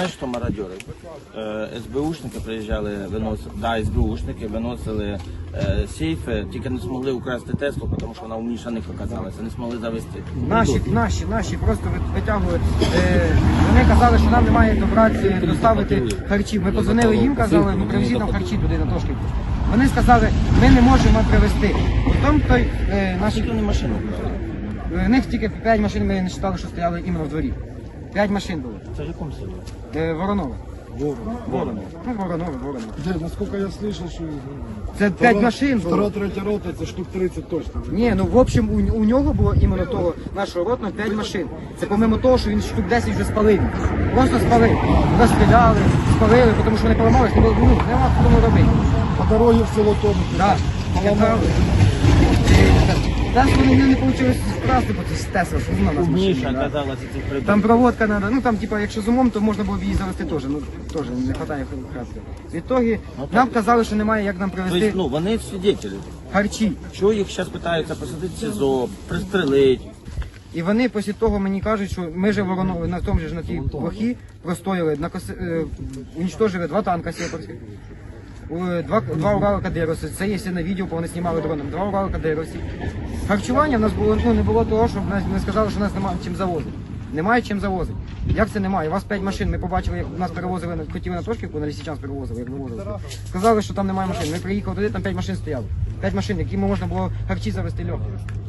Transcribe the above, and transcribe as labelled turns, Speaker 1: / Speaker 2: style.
Speaker 1: знаєш, що мародьори? СБУшники приїжджали, СБУшники виносили сейфи, тільки не змогли украсти Теслу, тому що вона у мішаних оказалася, не змогли завести.
Speaker 2: Наші просто витягували. Вони казали, що нам немає добратися, доставити харчів. Ми позвонили їм, казали, ну привезіть нам харчі туди на Тошківку. Вони сказали, ми не можемо привезти. Потім той наші
Speaker 1: машини.
Speaker 2: В них тільки 5 машин, ми не читали, що стояли іменно в дворі. 5 машин було.
Speaker 1: Це в якому селі?
Speaker 2: Воронова.
Speaker 3: Воронов.
Speaker 2: Ну, Воронова.
Speaker 3: Де, наскільки я слышал, що...
Speaker 2: Це 5 машин було.
Speaker 3: Втора, третя рота, це штук 30 точно.
Speaker 2: Ні, ну в общем у нього було іменно того нашого ротного 5 машин. Це помимо того, що він штук 10 вже спалив. Просто спалив. Розстріляли, спалили, тому що вони поламались, нема кому робити.
Speaker 3: По дорозі в село Томи.
Speaker 2: Так, поламали. Там вони не вийшло вкрасти, бо це з Тесла, що вона нас
Speaker 1: Міша
Speaker 2: машина.
Speaker 1: оказалася цих прибув.
Speaker 2: Там проводка треба, ну там типа, якщо з умом, то можна було б її завести теж, ну теж не вистачає вкрасти. В ітогі нам казали, що немає як нам привезти
Speaker 1: Тобто, ну, вони свідетелі.
Speaker 2: харчі.
Speaker 1: Чого їх зараз питаються посадити в СІЗО, пристрелити?
Speaker 2: І вони після того мені кажуть, що ми же Воронові на тому ж на тій плохі простояли, уничтожили 2 танка сепарських, 2 Урала Кадировці, це є на відео, бо вони знімали дроном, 2 Урала Кадировці. Харчування в нас було, не було того, щоб не сказали, що нас немає чим завозити. Немає чим завозити. Як це немає? У вас 5 машин, ми побачили, як нас перевозили, хотіли на Тошківку, на Лисичанськ перевозили, як вивозили. Сказали, що там немає машин. Ми приїхали туди, там 5 машин стояло. 5 машин, якими можна було харчі завести легко.